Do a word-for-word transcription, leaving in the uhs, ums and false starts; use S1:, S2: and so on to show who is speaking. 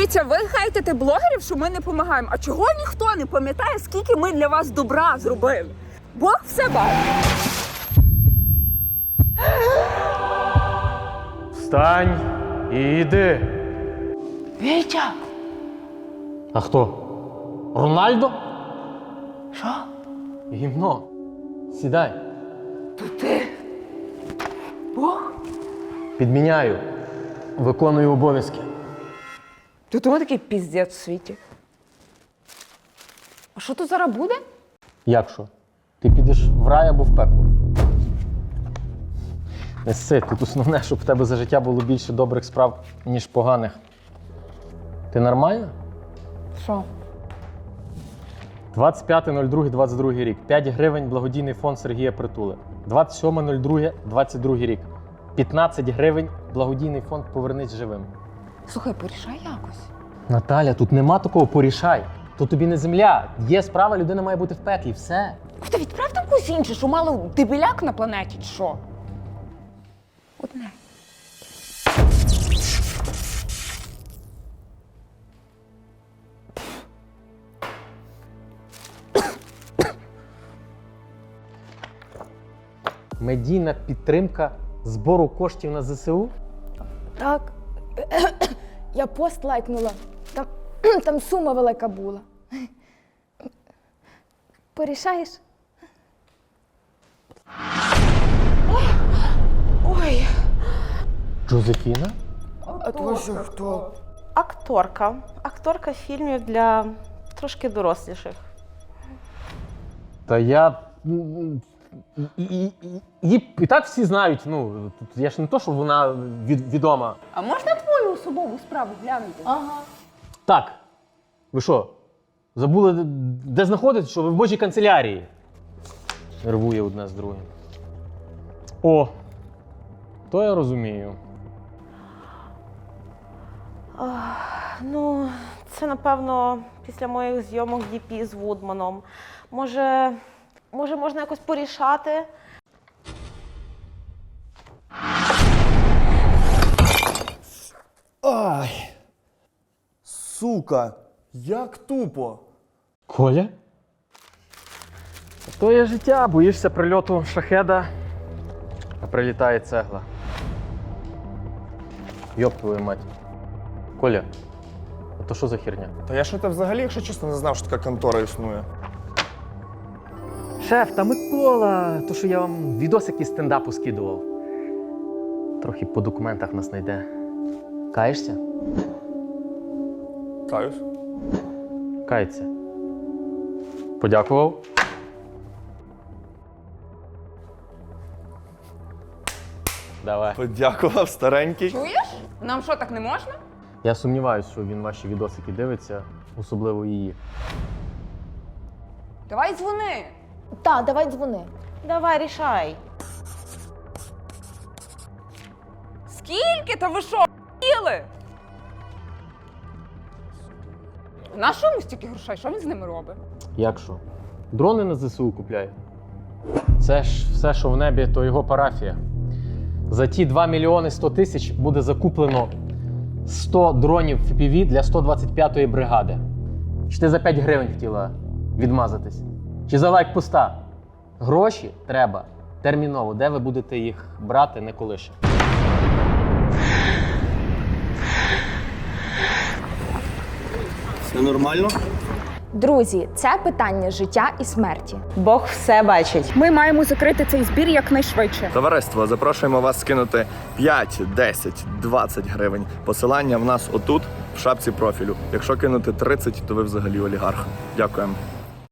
S1: Дивіться, ви хайтите блогерів, що ми не допомагаємо. А чого ніхто не пам'ятає, скільки ми для вас добра зробили? Бог все бачить.
S2: Встань і йди.
S1: Вітя!
S2: А хто? Рональдо?
S1: Що?
S2: Гімно. Сідай.
S1: То ти? Бог?
S2: Підміняю. Виконую обов'язки.
S1: То тому такий піздець в світі. А що тут зараз буде?
S2: Як що? Ти підеш в рай або в пекло? Не сси, тут основне, щоб в тебе за життя було більше добрих справ, ніж поганих. Ти нормальна?
S1: Що?
S2: двадцять п'яте друге двадцять другий рік. п'ять гривень благодійний фонд Сергія Притули. двадцять сьоме друге двадцять другий рік. п'ятнадцять гривень благодійний фонд Повернись живим.
S1: Слухай, порішай якось.
S2: Наталя, тут нема такого порішай. То тобі не земля. Є справа, людина має бути в пеклі. Все.
S1: Та відправ там когось інше, що мало дебіляк на планеті, чи що? Одне.
S2: Медійна підтримка збору коштів на зе се у?
S3: Так. Я пост лайкнула. Там, там сума велика була. Порішаєш?
S1: Ой.
S2: Джозефіна?
S1: А то що хто?
S4: Акторка. Акторка фільмів для трошки доросліших.
S2: Та я. м, І, і, і, її і так всі знають. Ну, тут я ж не то, що вона від, відома.
S1: А можна твою особову справу глянути?
S3: Ага.
S2: Так. Ви що? Забули, де- де знаходитесь, що ви в Божій канцелярії? Нервує одне з другим. О, то я розумію.
S4: Ну, це, напевно, після моїх зйомок ді пі з Вудманом. Може, може можна якось порішати?
S5: Ай! Сука! Як тупо!
S2: Коля? То є життя, боїшся прильоту шахеда, а прилітає цегла. Йоп твою мать. Коля, а то що за херня?
S5: Та я що то взагалі, якщо чесно, не знав, що така контора існує.
S2: Шеф, та Микола, то що я вам відосик із стендапу скидував. Трохи по документах нас знайде. Каєшся?
S5: Каюсь.
S2: Кається. Подякував. Давай.
S5: Подякував, старенький.
S1: Чуєш? Нам що, так не можна?
S2: Я сумніваюся, що він ваші відосики дивиться, особливо її.
S1: Давай дзвони.
S3: Так, давай дзвони.
S4: Давай, рішай.
S1: Скільки? Та ви що, їли? На що йому стільки грошей? Що він з ними робить?
S2: Як що? Дрони на зе се у купляє. Це ж все, що в небі, то його парафія. За ті два мільйони сто тисяч буде закуплено сто дронів еф пі ві для сто двадцять п'ятої бригади. Чи ти за п'ять гривень хотіла відмазатись? Чи за лайк поста? Гроші треба терміново. Де ви будете їх брати, не колише.
S6: Все нормально?
S3: Друзі, це питання життя і смерті.
S4: Бог все бачить.
S1: Ми маємо закрити цей збір якнайшвидше.
S5: Товариство, запрошуємо вас скинути п'ять, десять, двадцять гривень. Посилання в нас отут, в шапці профілю. Якщо кинути тридцять, то ви взагалі олігарх. Дякуємо.